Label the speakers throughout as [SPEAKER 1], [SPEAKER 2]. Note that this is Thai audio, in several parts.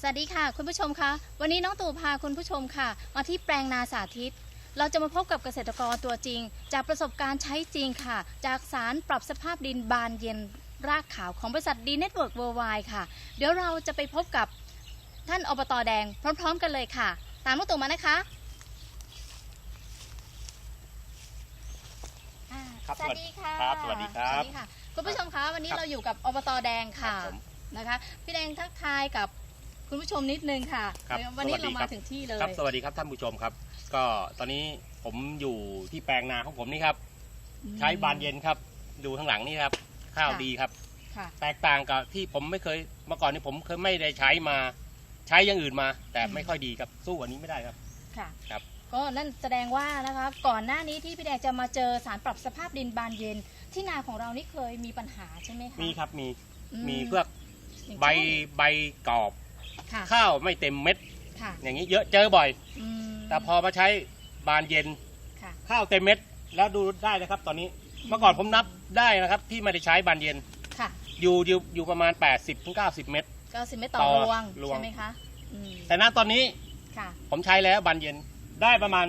[SPEAKER 1] สวัสดีค่ะคุณผู้ชมคะวันนี้น้องตู่พาคุณผู้ชมค่ะมาที่แปลงนาสาธิตเราจะมาพบกับเกษตรกรตัวจริงจากประสบการณ์ใช้จริงค่ะจากสารปรับสภาพดินบานเย็นรากขาวของบริษัทดีเน็ตเวิร์กเวิร์ไวด์ค่ะเดี๋ยวเราจะไปพบกับท่านอบต.แดงพร้อมๆกันเลยค่ะตามน้องตู่มานะคะสวัสดีค่ะ
[SPEAKER 2] สวัสดีครับ
[SPEAKER 1] คุณผู้ชมคะวันนี้เราอยู่กับอบต.แดงค่ะนะคะพี่แดงทักทายกับคุณผู้ชมนิดนึงค่ะวันนี้เรามาถึงที่เลย
[SPEAKER 2] ครับสวัสดีครับท่านผู้ชมครับก็ตอนนี้ผมอยู่ที่แปลงนาของผมนี่ครับใช้บานเย็นครับดูข้างหลังนี่ครับข้าวดีครับแตกต่างกับที่ผมไม่เคยเมื่อก่อนนี้ผมเคยไม่ได้ใช้มาใช้อย่างอื่นมาแต่ไม่ค่อยดีครับสู้อันนี้ไม่ได้ครับ
[SPEAKER 1] ค่ะครับก็นั่นแสดงว่านะคะก่อนหน้านี้ที่พี่แดงจะมาเจอสารปรับสภาพดินบานเย็นที่นาของเรานี่เคยมีปัญหาใช่ไหมคะ
[SPEAKER 2] มีครับมีเพื่อใบกรอบข้าวไม่เต็มเม็ดอย่างนี้เยอะเจอบ่อยแต่พอมาใช้บานเย็นข้าวเต็มเม็ดแล้วดูได้นะครับตอนนี้เมื่อก่อนผมนับได้นะครับที่ไม่ได้ใช้บานเย็นอยู่ประมาณ 80-90 เม็ด
[SPEAKER 1] 90 เม็ดต่อรวงใช่ไหมคะ
[SPEAKER 2] แต่ณตอนนี้ผมใช้แล้วบานเย็นได้ประมาณ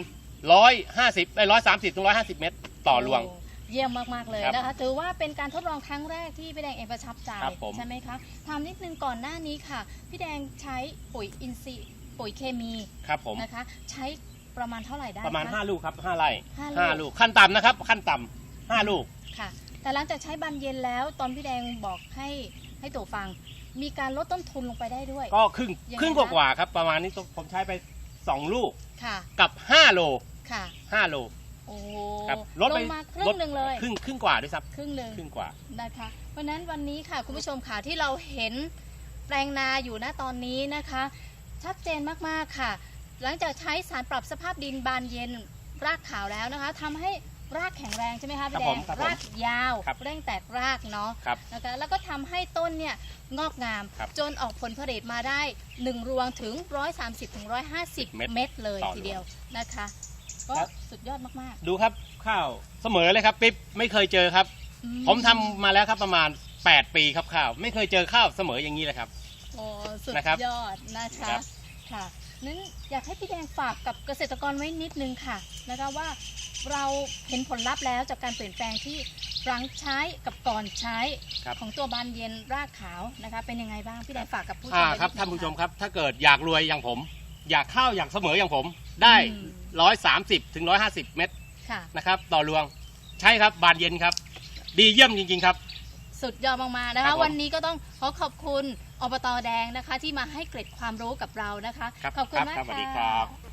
[SPEAKER 2] 130-150 เม็ดต่อรวง
[SPEAKER 1] เยี่ยมมากๆเลยนะคะถือว่าเป็นการทดลองครั้งแรกที่พี่แดงเองประทับใจใช่ไหมคะถามนิดนึงก่อนหน้านี้ค่ะพี่แดงใช้ปุ๋ยอินทรีย์ปุ๋ยเคมี
[SPEAKER 2] ครับผม
[SPEAKER 1] นะคะใช้ประมาณเท่าไหร่ได้
[SPEAKER 2] ประมาณ5 ลูกครับ5 ไร่5 ลูกขั้นต่ำนะครับขั้นต่ำ5 ลูก
[SPEAKER 1] ค่ะแต่หลังจากใช้บานเย็นแล้วตอนพี่แดงบอกให้ตู่ฟังมีการลดต้นทุนลงไปได้ด้วย
[SPEAKER 2] ก็ครึ่งกว่าครับประมาณนี้ผมใช้ไป2 ลูกกับ5 โล
[SPEAKER 1] ค่ะ
[SPEAKER 2] 5 โล
[SPEAKER 1] โอ้
[SPEAKER 2] ลด
[SPEAKER 1] มาครึ่งหนึ่งเลย
[SPEAKER 2] ครึ่งกว่าด้วยซ้ำ
[SPEAKER 1] ครึ่ง
[SPEAKER 2] กว่า
[SPEAKER 1] นะคะเพราะนั้นวันนี้ค่ะคุณผู้ชมค่ะที่เราเห็นแปลงนาอยู่ณตอนนี้นะคะชัดเจนมากๆค่ะหลังจากใช้สารปรับสภาพดินบานเย็นรากขาวแล้วนะคะทำให้รากแข็งแรงใช่ไหมคะพี่แดงรากยาวเร่งแตกรากเนาะนะคะแล้วก็ทำให้ต้นเนี่ยงอกงามจนออกผลผลิตมาได้1 รวงถึง130-150 เม็ดเลยทีเดียวนะคะก็สุดยอดมาก
[SPEAKER 2] ๆดูครับข้าวเสมอเลยครับปิ๊บไม่เคยเจอครับผมทำมาแล้วครับประมาณ8 ปีครับข้าวไม่เคยเจอข้าวเสมออย่างนี้เลยครับ
[SPEAKER 1] โอ้สุดยอดนะคะค่ะนั้นอยากให้พี่แดงฝากกับเกษตรกรไว้นิดนึงค่ะนะคะว่าเราเห็นผลลัพธ์แล้วจากการเปลี่ยนแปลงที่หลังใช้กับก่อนใช้ของตัวบานเย็นรากขาวนะคะเป็นยังไงบ้างพี่แดงฝากกับผู้ชม
[SPEAKER 2] ครับท่านผู้ชมครับถ้าเกิดอยากรวยอย่างผมอยากข้าวอย่างเสมออย่างผมได้130-150 เม็ดนะครับต่อรวงใช่ครับบานเย็นครับดีเยี่ยมจริงๆครับ
[SPEAKER 1] สุดยอดมากๆนะคะวันนี้ก็ต้องขอบคุณอบต.แดงนะคะที่มาให้เกร็ดความรู้กับเรานะคะ
[SPEAKER 2] ขอบคุณมากค่ะสวัสดีครับ